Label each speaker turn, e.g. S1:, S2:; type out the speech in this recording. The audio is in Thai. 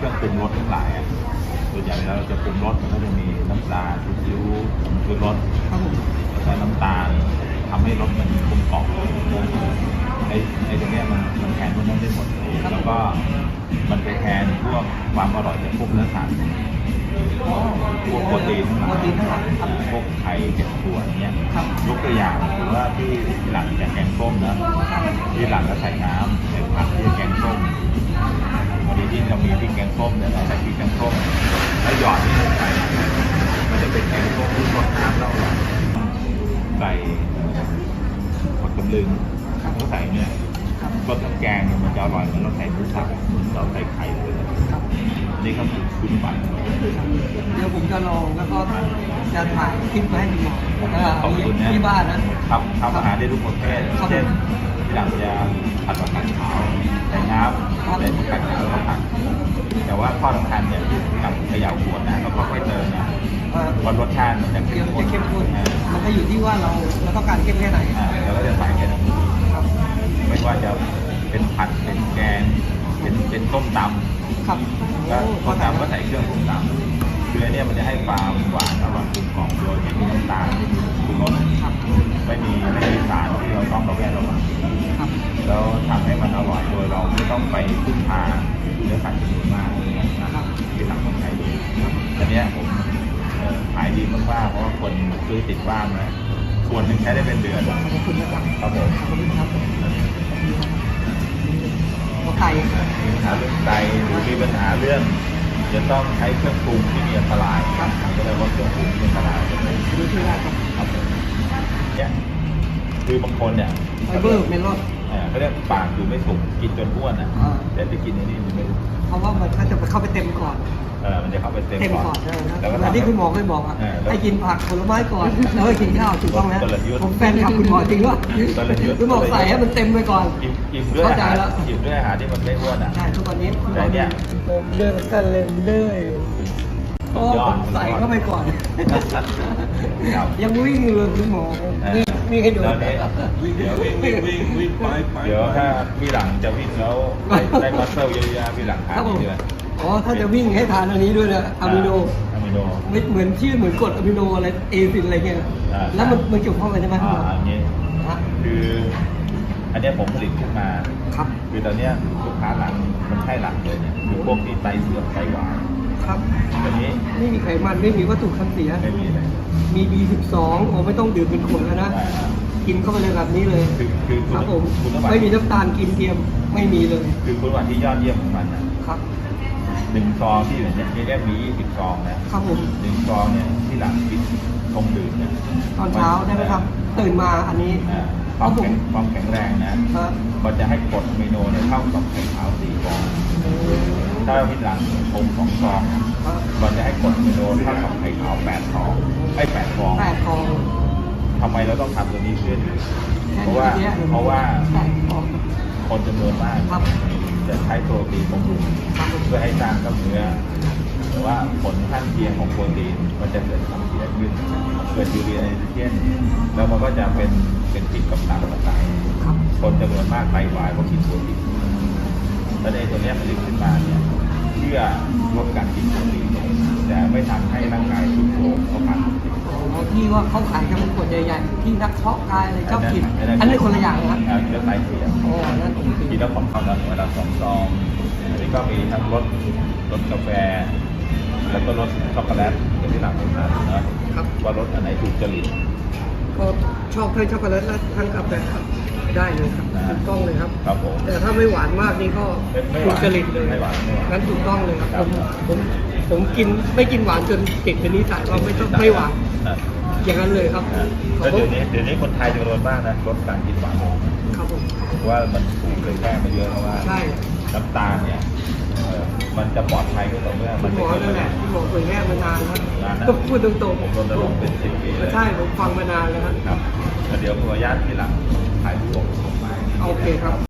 S1: เครื่องปรุงรสทั้งหลายส่วนใหญ่แล้วเราจะปรุงรสมันก็จะมีน้ำปลาซีอิ๊วผงชูรสแล้วก็น้ำตาลทำให้รสมันกลมกล่อมไอ้ตรงเนี้ยมันแทนพวกนั้นได้หมดแล้วก็มันไปแทนพวกความอร่อยจากพวกเนื้อสัตว์พวกโปรตีนทั้งหลายพวกไข่เจ็ดตัวเนี้ยยกตัวอย่างหรือว่าที่หลังจากแกงส้มนะที่หลังก็ใส่น้ำใส่ผักที่แกงส้มพอดีที่เรามีที่แกงส้มเนี่ยเราใส่ที่แกงส้มแล้วหยอดที่ลงไปมันจะเป็นแกงส้มที่รสน้ำเราใส่ผักตำลึงแล้วใส่เนี่ยรสน้ำแกงเนี่ยมันจะอร่อยเหมือนเราใส่หมูสับเราใส่ไข่เลยนี่ก็คือคุณปั่น
S2: เดี๋ยวผมจะลองแล้วก็จะถ่ายคลิปมาให้ดู
S1: ขอบคุณนะ
S2: ที่บ้านนะครับ
S1: ทำอาหารได้ทุกประเภทเช่นที่หลังจะผัดผักกาดขาวใส่น้ำใส่ผักกาดขาวแล้วผัดแต่ว่าข้อสำคัญเนี่ยที่หลังเขย่าขวดนะแล้วก็ค่อยเติมนะวันรสชาติมันจะเข้มข้น
S2: มันก็อยู่ที่ว่าเราต้องการเข้มแค่ไหน
S1: เราก็จะใส่แค่นั้นไม่ว่าจะเป็นผัดเป็นแกงเป็นต้มตำ
S2: ครับ
S1: ก็ต้มตำก็ใส่เครื่องต้มตำคือเนี่ยมันจะให้ความหวานอร่อยกลมกล่อมโดยไม่มีน้ำตาลไม่มีชูรสไม่มีสารที่เราต้องระแวดระวังแล้วทำให้มันอร่อยโดยเราไม่ต้องไปพึ่งพาเนื้อสัตว์จำนวนมากนะครับที่หลังคนไทยดีอันนี้ผมขายดีมากๆเพราะว่าคนซื้อติดบ้านนะส่วนหนึ่งใช้ได้เป็นเดือนครับผม
S2: ไก่
S1: มีปัญหาเรื่องไตหรือมีปัญหาเรื่องจะต้องใช้เครื่องปรุงที่มีอันตรายก็เลยว่าเครื่องปรุงที่อันตราย
S2: ดูที่ได้
S1: ครับเนี่ยคือบางคนเนี่ย
S2: ไฟเบอร์เมลอน
S1: เขาเรียกปากอยู่ไม่สุกกินจนอ้วนแต่ไปกินในนี้มันไม่รู้
S2: เพราะว่ามันจะเข้าไปเต็มก่อน
S1: มันจะเข้าไปเต็มก่อน
S2: แล้วที่คุณหมอเคยบอกให้กินผักผลไม้ก่อนแล้วให้กินข้าวถูกต้องไหมผมแฟนคลับคุณหมอจริงว่าคุณหมอใส่ให้มันเต็มไปก่อน
S1: อิ่มด้วยอาหารอิ่มด้วยอาหารที่มันไม่อ้วน
S2: ใช่ทุกวันนี้คุณหมอเนี่ยเดินกันเลยก็ใส่เข้าไปก่อนยังวิ่งเลยคุณหมอวิ่งให้ดู
S1: เดี๋ยววิ่งไปเดี๋ยวถ้าพี่หลังจะวิ่งแล้วได้มัสเซลเยอะๆพี่หลังทานเยอะ
S2: ถ้าจะวิ่งให้ทานอันนี้ด้วยนะอะมิโนไม่เหมือนชื่อเหมือนกรดอะมิโนอะไรเอซินอะไรเงี้ยแล้วมันเกี่ยวข้องกันใช่ไหม
S1: อันนี้คืออันนี้ผมผลิตขึ้นมา
S2: ครับ
S1: คือตอนนี้ลูกค้าหลังมันใช่หลังเลยเนี่ยคือพวกที่ไตเสื่อมไตหวาน
S2: ครับ
S1: ตอนนี้
S2: ไม่มีไขมันไม่มีวัตถุกันเสีย
S1: ไม่มีเลย
S2: มี B12 ไม่ต้องดื่มเป็นขวดแล้วนะกินเข้าไปเลยแบบนี้เลยครับผมไม่มีน้ำตาลกินเทียมไม่มีเลย
S1: คือคุณวันที่ยอดเยี่ยมของมันนะครับ1 ซองที่เนี่ยเรียกมี20 ซองนะครับผม1 ซองเนี่ยที่หลังกินชงดื่มเนี่ย
S2: ตอนเช้าได้ไหมครับตื่นมาอันนี้
S1: ความแข็งแรงนะมันจะให้กรดอะมิโนเนี่ยเท่ากับไข่ขาว4 ฟองถ้าที่หลังชง2 ซองมันจะให้กรดอะมิโนเท่ากับไข่ขาว8 ฟอง8 ฟองทำไมเราต้องทำตัวนี้เพื่อเพราะว่าคนจำนวนมากจะใช้โปรตีนบำรุงเพื่อให้สร้างกล้ามเนื้อแต่ว่าผลข้างเคียงของโปรตีนมันจะเกิดความเสียขึ้นเกิดยูเรียไนโตรเจนแล้วมันก็จะเป็นพิษกับตับต่างๆคนจำนวนมากไตวายเพราะกินโปรตีนแล้วในตัวนี้ผลิตขึ้นมาเนี่ยเพื่อลดการกินโปรตีนแต่ไม่ทำให้ร่างกายสุดโทรมเข้ามา
S2: ที่ว่าเขาขายกันเป็นขวดใหญ่ๆที่นักเพาะกายอะไรชอบกินอันนี้คนละอย่างนะ
S1: เรื่องไตเสีย
S2: นั่น
S1: กินแล้วของเขาเวลา2 ซองอันนี้ก็มีทั้งรสกาแฟแล้วก็รสช็อกโกแลตอย่างที่หลังผมทานนะว่ารสอันไหนถูกจริต
S2: ก็ชอบทั้งช็อกโกแลตและทั้งกาแฟครับได้เลยครับถูกต้องเลยครับ
S1: ครับผม
S2: แต่ถ้าไม่หวานมากนี่ก็ถูกจริตเลยงั้นถูกต้องเลยครับผมกินไม่กินหวานจนติดเป็นนิสัยว่าไม่หวานอย่างนั้นเลยครับ
S1: แล้วเดี๋ยวนี้คนไทยจำนวนมากนะลดการกินหวาน
S2: ครับผม
S1: ว่ามันถูกเลยแก้มาเยอะแล้วว่าน้ำตาลเนี่ยมันจะปลอดภัยก็ต่อเมื่อ
S2: มันไม่เกินที่บอกเผยแพร่มานานครับพูดตรงๆ
S1: ผมรณรงค์เป็น10 ปีเลย
S2: ใช่ผมฟังมานานแล้ว
S1: ครับเดี๋ยวขออนุญาตที่หลังถ่ายรูปส่งมา
S2: โอเคครับ